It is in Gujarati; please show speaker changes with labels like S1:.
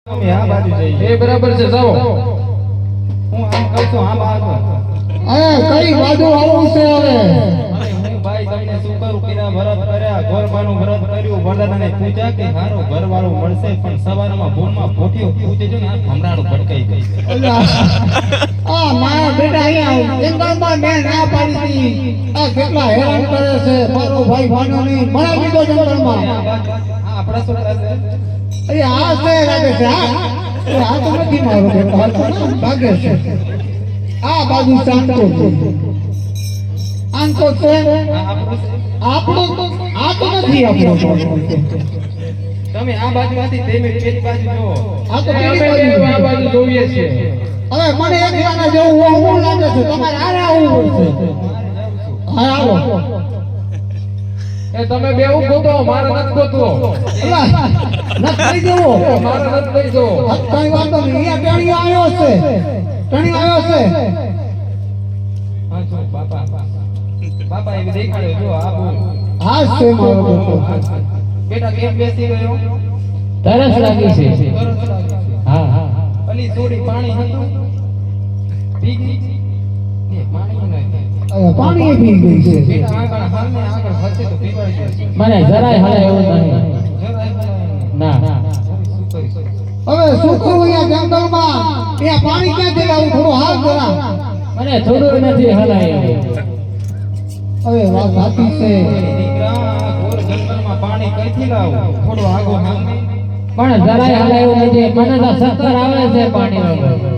S1: તમે આ બાજુ જઈ
S2: એ બરાબર છે જાઓ
S1: હું આમ કહું છું આમ આગળ
S3: કઈ બાજુ આવું છે હવે
S1: હું ભાઈ તમને શું કરું કિરા વ્રત કર્યા ગોરબાનું વ્રત કર્યું વરદાનાને પૂજા કે હારો ઘરવાળું મળશે પણ સવારમાં ભૂલમાં પોઠીઓ પૂજે જો ને આ ભમરાડું ભટકાઈ ગઈ
S3: મારા બેટા અહીંયા જંગલમાં મેં ના પાડી હતી આ કેટલા હેરાન કરે છે મારો ભાઈ ભાનો નહીં મરા દીધો જંગલમાં
S1: આ આપણા છોકરા છે
S3: અરે આ છે લાગે છે આ તો નથી મારો બેટો લાગે છે આ બાજુ શાંતો છે આંકો છે આપણો આ તો નથી આપણો
S1: તમે આ બાજુમાંથી તેમે પેલી બાજુ જો
S3: આ તો
S2: અમે
S3: પેલી
S2: આ
S3: બાજુ
S2: બાજુ જોઈએ છીએ
S3: હવે મને એક ગાના જેવું હું લાગે છે તમારે આરે આવવું પડશે હા આવો
S2: એ તમે બે ઉભો ગોતો મારે નથી ગોતવો
S3: ના કરી દેવો
S2: મારે નથી લઈ જવો
S3: કઈ વાંધો નહીં અહીંયા ટણીઓ આવ્યો છે ટણીઓ આવ્યો છે
S1: હા જો બાપા બાપા એ દેખાડ્યો જો આ બોલ
S3: હા છે મારો બેટો
S1: બેટા કેમ બેસી ગયો
S2: તરસ લાગી છે
S1: તરસ લાગી છે.
S2: હા હા
S1: અલી થોડી પાણી હતું પી ગઈ એ પાણી નથી
S3: પાણી પી ગઈ છે
S1: બેટા આગળ હાલને આગળ વધશે તો પીવાય છે
S2: મને જરાય હલે એવું નહીં
S1: જરાય
S2: ના
S1: શું કરીશ
S3: હવે શું કરું અહીંયા જંગલમાં ત્યાં પાણી ક્યાંથી લાવું થોડું હાલ જરા
S2: મને થોડું નથી હલાય
S3: હવે વાત સાચી છે
S1: દીકરા ઘોર જંગલમાં પાણી કઈથી લાવું થોડો આગો હાલ
S2: પણ જરાય હલાય એવું નથી મને તો ચક્કર આવે છે પાણી વગર